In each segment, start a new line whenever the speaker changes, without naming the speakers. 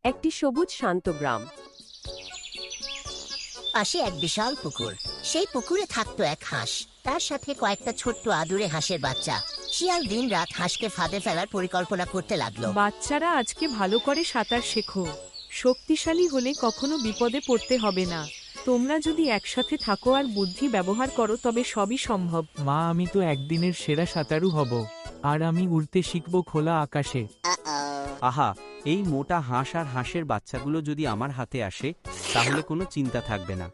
একটি সবুজ শান্ত গ্রাম।
পাশে এক বিশাল পুকুর। সেই পুকুরে থাকতো এক হাঁস, তার সাথে কয়েকটা ছোট্ট আদুরে হাঁসের বাচ্চা। শিয়াল দিন রাত হাঁসকে ফাঁদে ফেলার পরিকল্পনা করতে লাগলো।
বাচ্চারা, আজকে ভালো করে সাঁতার শেখো। শক্তিশালী হলে কখনো বিপদে পড়তে হবে না। তোমরা যদি একসাথে থাকো আর বুদ্ধি ব্যবহার করো তবে সবই সম্ভব।
মা, আমি তো একদিনের সেরা সাঁতারু হব, আর আমি উড়তে শিখব খোলা আকাশে।
আহা, এই মোটা হাঁস আর হাঁসের বাচ্চাগুলো যদি আমার হাতে আসে তাহলে কোনো চিন্তা থাকবে না।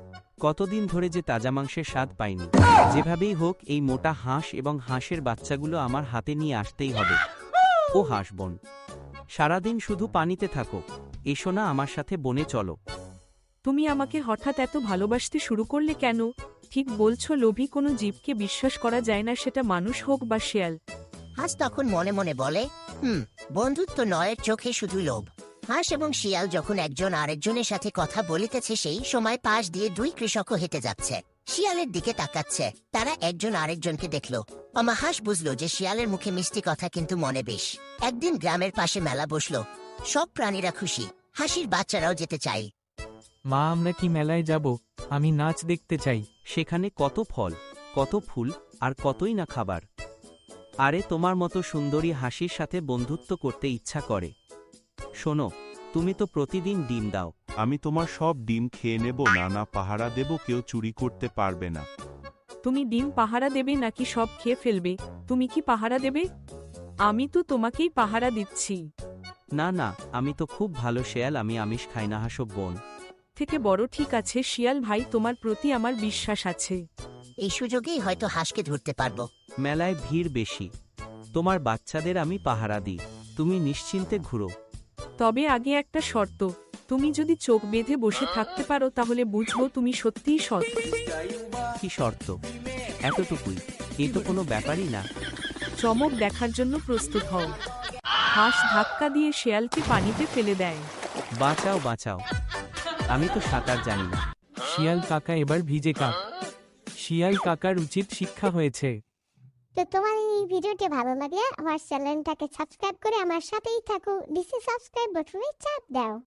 কতদিন ধরে যে তাজা মাংসের স্বাদ পাইনি। যেভাবেই হোক এই মোটা হাঁস এবং হাঁসের বাচ্চাগুলো আমার হাতে নিয়ে আসতেই হবে। ও হাঁস বোন, সারাদিন শুধু পানিতে থাকো, এসো না আমার সাথে বনে চলো।
তুমি আমাকে হঠাৎ এত ভালোবাসতে শুরু করলে কেন? ঠিক বলছো, লোভী কোনো জীবকে বিশ্বাস করা যায় না, সেটা মানুষ হোক বা শেয়াল।
হাঁস তখন মনে মনে বলে, বন্ধুত্ব নয়, চোখে শুধু লোভ। হাঁস এবং শিয়াল যখন একজন আরেকজনের সাথে কথা বলিতেছে, সেই সময় পাশ দিয়ে দুই কৃষকও হেঁটে যাচ্ছে, শিয়ালের দিকে তাকাচ্ছে। তারা একজন আরেকজনকে দেখলো। হাঁস বুঝলো যে শিয়ালের মুখে মিষ্টি কথা, কিন্তু মনে বেশ। একদিন গ্রামের পাশে মেলা বসলো, সব প্রাণীরা খুশি, হাসির বাচ্চারাও যেতে চায়।
মা, আমরা কি মেলায় যাব? আমি নাচ দেখতে চাই।
সেখানে কত ফল, কত ফুল, আর কতই না খাবার। আরে তোমার মতো সুন্দরী হাসির সাথে বন্ধুত্ব করতে ইচ্ছা করে। শোনো, তুমি তো প্রতিদিন ডিম দাও।
আমি তোমার সব ডিম খেয়ে নেব। না, পাহারা দেব, কেউ চুরি করতে পারবে না।
তুমি ডিম পাহারা দেবে নাকি সব খেয়ে ফেলবে? তুমি কি পাহারা দেবে? আমি তো তোমাকেই পাহারা দিচ্ছি।
না না, আমি তো খুব ভালো শেয়াল, আমি আমিষ খাই না। হাসব বোন
থেকে বড়, ঠিক আছে শিয়াল ভাই, তোমার প্রতি আমার বিশ্বাস আছে।
এই সুযোগেই হয়তো হাঁসকে ধরতে পারবো।
মেলায় ভিড় বেশি, তোমার বাচ্চাদের আমি পাহারা দিই, তুমি নিশ্চিন্তে ঘুরো।
তবে আগে একটা শর্ত, তুমি যদি চোখ বেঁধে বসে থাকতে পারো তাহলে বুঝবো তুমি সত্যিই সৎ।
কি শর্ত? এতটুকুই, এ তো কোনো ব্যাপারই না।
চমক দেখার জন্য প্রস্তুত হও। হাঁস ধাক্কা দিয়ে শেয়ালকে পানিতে ফেলে দেয়।
বাঁচাও বাঁচাও, আমি তো সাঁতার জানি না।
শিয়াল কাকা এবার ভিজে কাক। শিয়াল কাকার উচিত শিক্ষা হয়েছে।
তো তোমার এই ভিডিওটি ভালো লাগলে আমার চ্যানেলটাকে সাবস্ক্রাইব করে আমার সাথেই থাকো। ডিসি সাবস্ক্রাইব বাটনে চাপ দাও।